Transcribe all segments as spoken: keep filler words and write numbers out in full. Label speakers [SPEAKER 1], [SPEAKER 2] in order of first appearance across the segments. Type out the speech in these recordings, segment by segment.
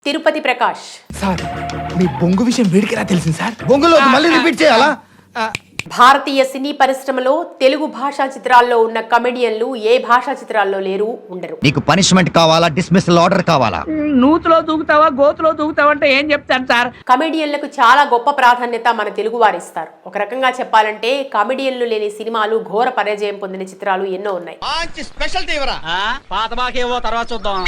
[SPEAKER 1] Tirupati Prakash
[SPEAKER 2] sir మీ బొంగు విషయం వీడికి ఎలా తెలిసింది సార్?
[SPEAKER 3] బొంగులో మళ్ళీ రిపీట్ చేయాలా?
[SPEAKER 1] భారతీయ సినీ పరిశ్రమలో తెలుగు భాషా చిత్రాల్లో ఉన్న కమెడియన్లు ఏ భాషా చిత్రాల్లో లేరు, ఉండరు.
[SPEAKER 4] నీకు పనిష్మెంట్ కావాలా, డిస్మిసల్ ఆర్డర్ కావాలా?
[SPEAKER 5] నూతులో దూకుతావా గోతులో దూకుతావా అంటే ఏం చెప్తాను సార్?
[SPEAKER 1] కమెడియన్లకు చాలా గొప్ప ప్రాధాన్యత మన తెలుగు వారిస్తారు. ఒక రకంగా చెప్పాలంటే కమెడియన్లు లేని సినిమాలు ఘోర పరాజయం పొందిన చిత్రాలు ఎన్నో ఉన్నాయి.
[SPEAKER 5] పాత బాకేవో తర్వాత చూద్దాం.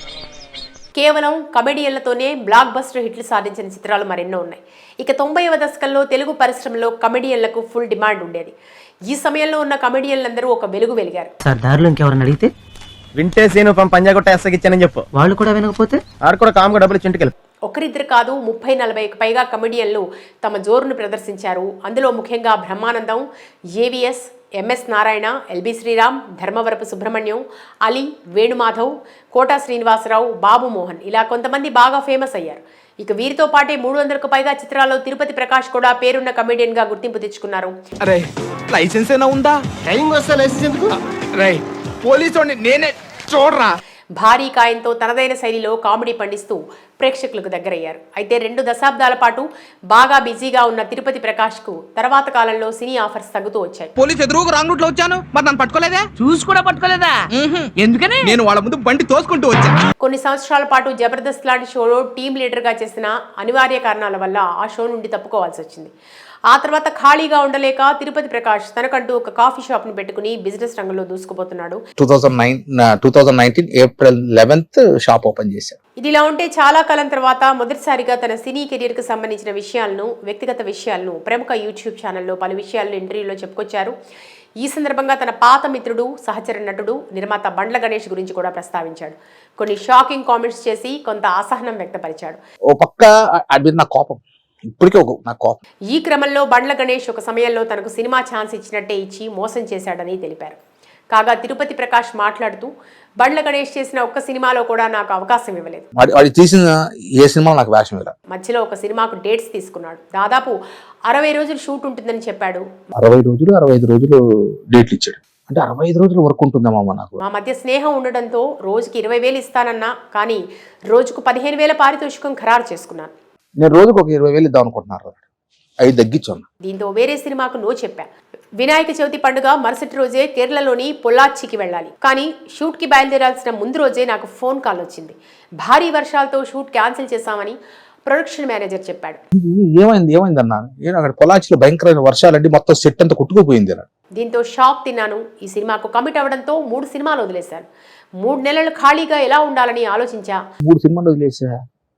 [SPEAKER 1] కేవలం కమెడియన్లతోనే బ్లాక్ బస్టర్ హిట్లు సాధించిన చిత్రాలు మరెన్నో ఉన్నాయి. ఇక తొంభైవ దశకంలో తెలుగు పరిశ్రమలో కమెడియన్లకు ఫుల్ డిమాండ్ ఉండేది. ఈ సమయంలో ఉన్న కమెడియన్లందరూ ఒక వెలుగు వెలిగారు.
[SPEAKER 6] సార్ దారిలో ఇంకెవరన్నా అడిగితే
[SPEAKER 3] వింటే సీను పంజాగుట్ట ఎస్సకి ఇచ్చానని చెప్పు.
[SPEAKER 6] వాళ్ళు కూడా వినకపోతే
[SPEAKER 3] ఆడు కూడా కామ్గా డబ్బులు చింటికెళ్ళి.
[SPEAKER 1] ఒకరిద్దరు కాదు, ముప్పై నలభైకి పైగా కమెడియన్లు తమ జోరును ప్రదర్శించారు. అందులో ముఖ్యంగా Brahmanandam, AVS, MS Narayana, LB Sriram, Dharmavarapu Subrahmanyam, Ali, Venumadhav, quota Srinivasarao, బాబు మోహన్ ఇలా కొంతమంది బాగా ఫేమస్ అయ్యారు. ఇక వీరితో పాటే మూడు వందలకు పైగా చిత్రాల్లో తిరుపతి ప్రకాష్ కూడా పేరున్న కమెడియన్ గా గుర్తింపు తెచ్చుకున్నారు.
[SPEAKER 2] అరే లైసెన్స్ ఏనా ఉందా?
[SPEAKER 3] ట్రైనింగ్ వస్తే లైసెన్స్ ఎందుకు?
[SPEAKER 2] రే పోలీసు నేనే చూడరా.
[SPEAKER 1] భారీ కాయంతో తనదైన శైలిలో కామెడీ పండిస్తూ ప్రేక్షకులకు దగ్గరయ్యారు. అయితే రెండు దశాబ్దాల పాటు బాగా బిజీగా ఉన్న తిరుపతి ప్రకాష్ కు తర్వాత కాలంలో సినీ ఆఫర్స్ తగ్గుతూ వచ్చాయి.
[SPEAKER 2] పోలీసు ఎదురుగా రాంగ్ రూట్ లో వచ్చాను, మరి నన్ను పట్టుకోలేదే?
[SPEAKER 5] చూసి కూడా పట్టుకోలేదా? ఎందుకని?
[SPEAKER 2] నేను వాళ్ళ ముందు బండి తోసుకుంటూ వచ్చాను.
[SPEAKER 1] కొన్ని సంవత్సరాల పాటు జబర్దస్త్ లాంటి షోలో టీమ్ లీడర్ గా చేసిన అనివార్య కారణాల వల్ల ఆ షో నుండి తప్పుకోవాల్సి వచ్చింది. ఆ తర్వాత ఖాళీగా ఉండలేక తిరుపతి ప్రకాష్ తనకంటూ ఒక కాఫీ షాప్ ను పెట్టుకుని బిజినెస్ రంగంలో దూసుకుపోతున్నాడు.
[SPEAKER 7] Two thousand nine two thousand nineteen April eleventh shop open చేశారు.
[SPEAKER 1] ఇదిలా ఉంటే చాలా కాలం తర్వాత మొదటిసారిగా తన సినీ కెరీర్ కు సంబంధించిన విషయాలను, వ్యక్తిగత విషయాలను ప్రముఖ యూట్యూబ్ ఛానల్లో పలు విషయాలను ఇంటర్వ్యూలో చెప్పుకొచ్చారు. ఈ సందర్భంగా తన పాత మిత్రుడు, సహచర నటుడు, నిర్మాత బండ్ల గణేష్ గురించి కూడా ప్రస్తావించాడు. కొన్ని షాకింగ్ కామెంట్స్ చేసి కొంత అసహనం వ్యక్తపరిచాడు.
[SPEAKER 7] ఓ పక్క అది నా కోపం, ఇప్పటికే ఒక నా కోపం.
[SPEAKER 1] ఈ క్రమంలో బండ్ల గణేష్ ఒక సమయంలో తనకు సినిమా ఛాన్స్ ఇచ్చినట్టే ఇచ్చి మోసం చేశాడని తెలిపారు. కాగా తిరుపతి ప్రకాష్ మాట్లాడుతూ బండ్ల గణేష్ చేసిన ఒక్క సినిమాలో కూడా నాకు అవకాశం ఇవ్వలేదు.
[SPEAKER 7] వాడి తీసిన ఏ సినిమా నాకు వేషం ఇలా.
[SPEAKER 1] మధ్యలో ఒక సినిమాకు డేట్స్ తీసుకున్నాడు. దాదాపు అరవై రోజులు షూట్ ఉంటుందని చెప్పాడు.
[SPEAKER 7] అరవై రోజులు అరవై ఐదు రోజులు డేట్లు ఇచ్చాడు. అంటే అరవై ఐదు రోజులు వర్క్ ఉంటుందమ్మా నాకు.
[SPEAKER 1] మా మధ్య స్నేహం ఉండడంతో రోజుకి ఇరవై వేలు ఇస్తానన్నా, కానీ రోజుకు పదిహేను వేల పారితోషికం ఖరారు చేసుకున్నాను.
[SPEAKER 7] నేను రోజుకు ఒక ఇరవై వేలు ఇద్దాం అనుకుంటున్నారు, అవి తగ్గించాను.
[SPEAKER 1] దీంతో వేరే సినిమాకు నో చెప్పా. వినాయక చవితి పండుగ మరుసటి రోజే కేరళలోని పొల్లాచ్చికి వెళ్ళాలి. కానీ షూట్ కి బయలుదేరాల్సిన ముందు రోజే నాకు ఫోన్ కాల్ వచ్చింది. భారీ వర్షాలతో షూట్ క్యాన్సిల్ చేశామని ప్రొడక్షన్ మేనేజర్ చెప్పాడు.
[SPEAKER 7] ఏమైంది ఏమైంది అన్నాను. నేను అక్కడ పొలాచిలో భయంకరమైన వర్షాలండి, మొత్తం సెట్ అంతా కుట్టుకుపోయింది.
[SPEAKER 1] దీంతో షాక్ తిన్నాను. ఈ సినిమాకు కమిట్ అవ్వడంతో మూడు సినిమాలు వదిలేశాను. మూడు నెలలు ఖాళీగా ఎలా ఉండాలని ఆలోచించా.
[SPEAKER 7] మూడు సినిమాలు వదిలేసా,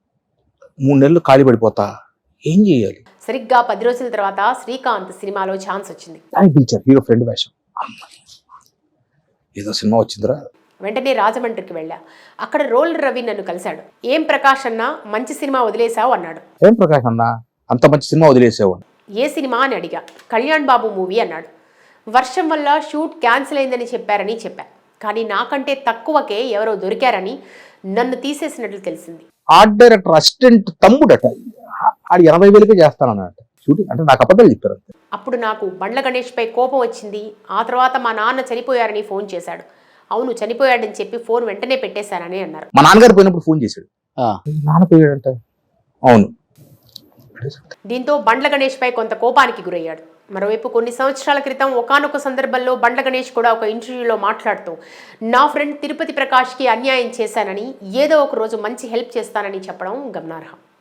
[SPEAKER 7] మూడు నెలలు ఖాళీ పడిపోతా, ఏం చేయాలి?
[SPEAKER 1] సరిగ్గా పది రోజుల తర్వాత శ్రీకాంత్ సినిమాలో ఛాన్స్ వచ్చింది.
[SPEAKER 7] పిలిచారు హీరో ఫ్రెండ్ వేషం. ఏదో సినిమా వచ్చిందిరా.
[SPEAKER 1] వెంటనే రాజమండ్రికి వెళ్ళా. అక్కడ రోల్ రవి నన్ను కలిశాడు. ఏం ప్రకాష్ అన్న, మంచి సినిమా వదిలేశావు అన్నాడు.
[SPEAKER 7] ఏం ప్రకాష్ అన్న, అంత మంచి సినిమా వదిలేసావు?
[SPEAKER 1] ఏ సినిమా అని అడిగా. కళ్యాణ్ బాబు మూవీ అన్నాడు. వర్షం వల్ల షూట్ క్యాన్సిల్ అయిందని చెప్పారని చెప్పా. కానీ నాకంటే తక్కువకే ఎవరో దొరికారని నన్ను తీసేసినట్లు తెలిసింది.
[SPEAKER 7] ఆర్ట్ డైరెక్టర్ అసిస్టెంట్ తమ్ముడట, ఆడు ఎనభై వేలకే చేస్తానన్నట షూటింగ్. అంటే నాకు అబద్ధాలు చెప్పారు.
[SPEAKER 1] అప్పుడు నాకు బండ్ల గణేష్ పై కోపం వచ్చింది. ఆ తర్వాత మా నాన్న చనిపోయారని ఫోన్ చేశాడు. అవును చనిపోయాడని చెప్పి ఫోన్ వెంటనే పెట్టేశానని అన్నారు.
[SPEAKER 7] మా నాన్నగారు పోయినప్పుడు ఫోన్ చేశాడు. నాన్న పోయాడంట. అవును.
[SPEAKER 1] దీంతో బండ్ల గణేష్ పై కొంత కోపానికి గురయ్యాడు. మరోవైపు కొన్ని సంవత్సరాల క్రితం ఒకానొక సందర్భంలో బండ్ల గణేష్ కూడా ఒక ఇంటర్వ్యూలో మాట్లాడుతూ నా ఫ్రెండ్ తిరుపతి ప్రకాష్కి అన్యాయం చేశానని, ఏదో ఒక రోజు మంచి హెల్ప్ చేస్తానని చెప్పడం గమనార్హం.